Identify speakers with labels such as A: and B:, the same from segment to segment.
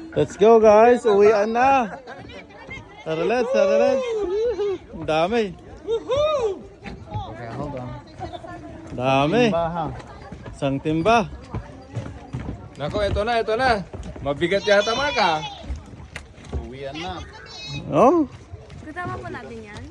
A: Let's go guys, uwian na. Tara let's. Ang dami.
B: Okay, hold on.
A: Dami. Isang timba.
B: Nako, ito na. Mabigat yata mga ka.
C: Uwian na.
A: Oh,
D: Kasama po natin yan.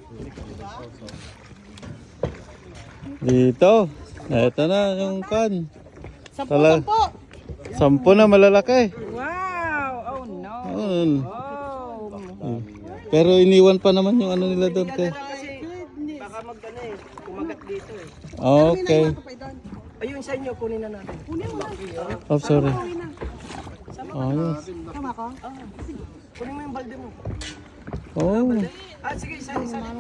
A: dito. Ito na yung kan.
E: Sampo, sampo.
A: 10 na malalaki.
E: Wow! Oh no!
A: Ayun.
E: Oh!
A: Pero iniwan pa naman yung ano nila doon kay.
E: Kasi baka mag-ano eh, kumagat dito eh.
A: Okay.
E: Ayun sa inyo, kunin na natin. Kunin mo lang.
A: Oh, sorry. Ayos.
E: Tama ko? Kunin mo yung balde mo.
A: Oh.
E: Ah, sige, isa.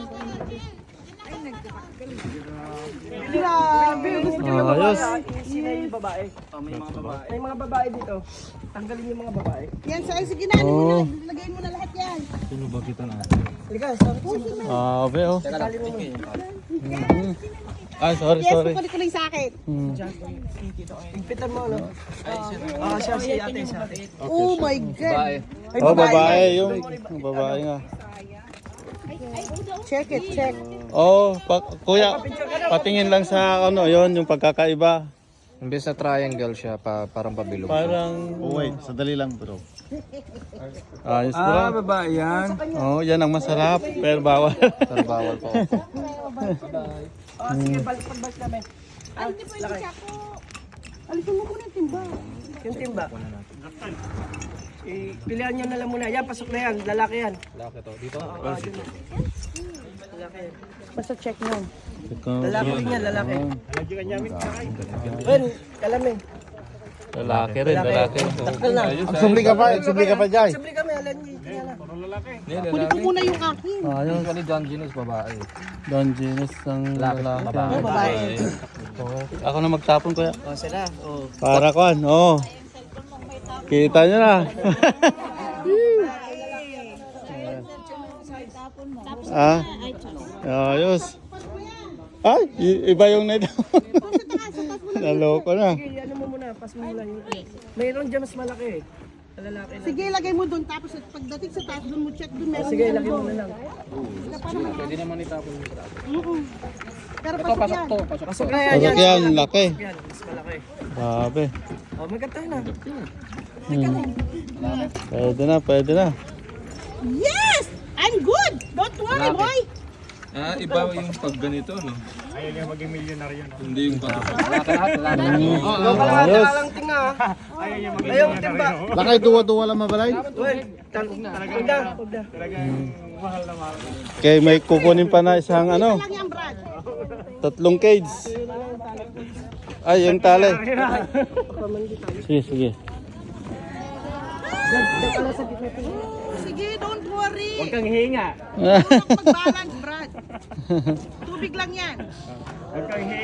E: Grabe, gusto niyo yung
A: Ayos.
E: babae. Sino yung babae? May mga babae. May mga babae dito. Tanggalin yung mga babae.
F: Yan, so, sige na,
A: Oh.
F: lagay mo na lahat yan.
E: Halika, sabi ko.
A: Abe oh.
E: Tanggalin mo muna.
A: Ay, sorry.
F: Yes, kukulit ko lang sa akin.
E: Higpitan mo, no? Ah, siya, si ate.
F: Oh my God.
E: Ay,
A: Oh, babae yung babae nga.
F: Check it, check.
A: Oh, kuya, patingin lang sa ano, yon yung pagkakaiba.
B: Imbes na triangle siya, parang pabilog.
A: Parang
C: Oh, wait. Sadali lang bro.
A: ayos bro.
B: babae yan.
A: Oh, yan ang masarap, pero bawal.
B: Pero bawal po.
E: Oh, sige, balik namin.
F: Ay, hindi pwede siya ako. Alisin mo muna yung timba.
E: Yung timba. Pilihan nyo na lang muna. Yan, pasok na yan. Lalaki yan.
B: Laki to. Dito.
E: Lalaki yan.
F: Basta check mo.
E: Lalaki rin yan, lalaki. Ben, kalamin.
A: Lalaki rin, lalaki.
E: Takal na.
C: Subli ka pa Jai.
E: Subli kami, alam niyo. Kaya na.
F: Kunin ko muna yung akin.
A: Ayos.
B: Ni John Genus, babae.
A: Don Genus ng lalaki.
F: Oh, babae.
A: Ako na magtapon kuya.
E: O, sila. O.
A: Para kuan, oh. Kita nyo na. Ah, ayos. Ay, iba yung net. Naloko na.
E: Sige, ano mo muna. Pas mo muna yun. Mayroon dyan mas malaki eh. Lalaki na.
F: Sige, lagay mo doon. Tapos pagdating sa taas, doon mo check doon. Meron
E: Sige,
F: dyan
E: lagay mo
F: doon.
E: na lang.
B: Pwede naman itapon yung
F: Pero pasok yan.
E: Pasok na yan.
A: Pasok yan, laki.
E: Yan, mas malaki.
A: Sabi.
E: O, magkatayo na.
A: Pwede na.
F: Yes! I'm good! Don't worry, boy!
B: Iba yung pag ganito, no? Ayaw yung maging milyonaryo, no? Hindi yung pag...
E: Kalahati ka lang tinga ha. Ayaw yung timba.
C: Lakay tuwa-tuwa lang mabalay.
E: Uy, huwag na.
A: Okay, may kukunin pa na isang ano,
F: Lang yan, Brad.
A: 3 cage. Ay, yung tali. Sige.
F: Sige, don't worry.
E: Huwag kang hinga.
F: Mag-balance, Brad. Tubig lang yan.